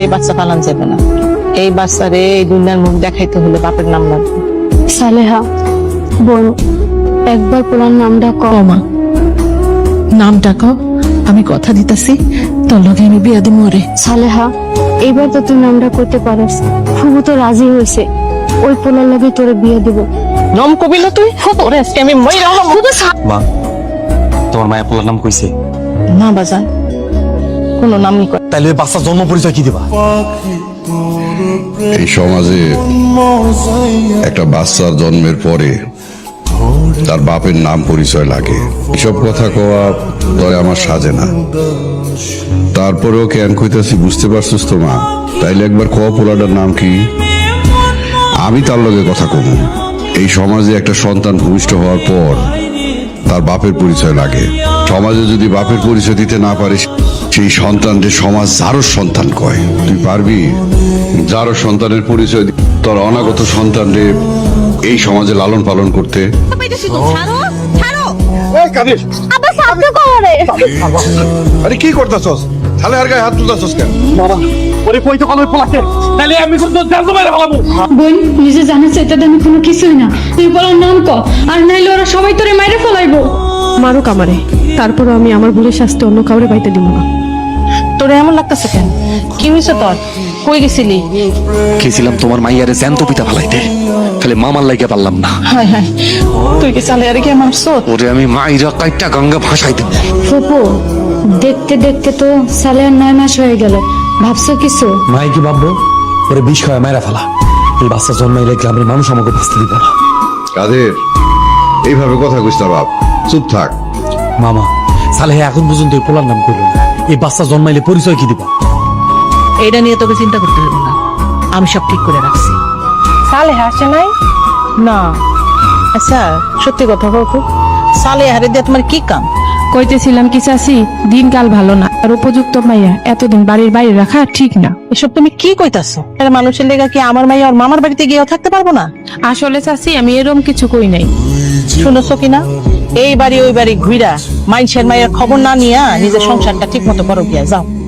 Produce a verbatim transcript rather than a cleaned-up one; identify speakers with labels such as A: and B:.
A: বাচ্চা পালন যাবে না। এই বাচ্চারে এই দুনিয়ার মুখ দেখাইতে হলে বাপের নাম লাগবে।
B: সালেহা বোন, একবার পুরান নামটা কমা।
C: নামটা কও, আমি কথা দিতাছি তোর লগে আমি বিয়া দিমু রে।
B: সালেহা, এইবার তো তুই নামটা করতে পারিস। ফুবু তো রাজি হয়েছে, ওই পোলার লগে তোরে বিয়ে দিব।
A: নাম কবি না তুই? ওরে আজকে আমি মইরা হলাম।
D: মা, তোমার মায়া পোলার নাম কইছে?
A: না বাজান, কোনো নামই কর।
D: তাইলে ওই বাচ্চার জন্ম পরিচয় কি দিবা?
E: এই সমাজে একটা বাচ্চার জন্মের পরে তার বাপের নাম পরিচয় লাগে। এসব কথা কওয়া তরে আমার সাজে না। তারপরেও কেন কইতাছি বুঝতে পারছিস তো মা? তাইলে একবার কওয়া পোলাটার নাম কি? আমি তার লগে কথা কম। এই সমাজে একটা সন্তান ভূমিষ্ঠ হওয়ার পর তার বাপের পরিচয় লাগে। সমাজে যদি বাপের পরিচয় দিতে না পারিস, সেই সন্তানকে সমাজ যারও সন্তান কয়। তুই পারবি যারও সন্তানের পরিচয় দি- তোর অনাগত সন্তানরে এই সমাজে লালন পালন করতে?
F: আরে কি করতেছস? তাহলে আর গায়ে হাত তুলতেছস কেন?
D: ওরে কই তো কল ওই পোলাকে, তাইলে আমি কিন্তু জানতে পারে ফেলাবো।
B: বোন, নিজে জানিস এটা আমি কোনো কিছুই না। তুই পোলার নাম ক, আর নাইলে ওরা সবাই তোরে মাইরে ফেলাইবো। মারুক আমারে, তারপরও আমি আমার ভুলের শাস্তি অন্য কাউরে পাইতে দিব না।
A: তোরে এমন লাগতেছে কেন? কি হয়েছে তোর? কই গেছিলি?
D: গেছিলাম তোমার মাইয়ারে জ্যান্ত পিতা ফেলাইতে, খালি মামার লাইগা পারলাম না।
A: হায় হায়, তুই কি চালে আরে কে মারছো?
D: ওরে আমি মাইরা কাইটা গঙ্গা ভাসাই দেব।
B: ফুপু, দেখতে দেখতে তো সালেহার নয় মাস হয়ে গেল। ভাবছো কিছু?
D: মাই কি ভাববো? ওরে বিষ খাওয়া মায়েরা ফেলা। এই বাচ্চা জন্মাইলে গ্রামের মানুষ আমাকে বাঁচতে দিব না।
E: কাদের এইভাবে কথা কইস না বাপ, চুপ থাক।
D: মামা, সালেহে এখন পর্যন্ত ওই পোলার নাম করলো না। এই বাচ্চা জন্মাইলে পরিচয় কি দিবা?
C: এইটা নিয়ে তোকে চিন্তা করতে হবে না, আমি সব ঠিক করে রাখছি।
A: সালে হাসে নাই না? আচ্ছা সত্যি কথা বলতো, সালে হারে দিয়ে তোমার কি কাম?
G: কইতেছিলাম কি চাচি, দিনকাল ভালো না, আর উপযুক্ত মাইয়া এতদিন বাড়ির বাইরে রাখা ঠিক না।
A: এসব তুমি কি কইতাছো? এর মানুষের লেগা কি আমার মাইয়া আর মামার বাড়িতে গিয়েও থাকতে পারবো না?
G: আসলে চাচি আমি এরম কিছু কই নাই।
A: শুনেছো কিনা? এই বাড়ি ওই বাড়ি ঘুইরা মানুষের মায়ের খবর না নিয়া নিজের সংসারটা ঠিক মতো করো গিয়া যাও।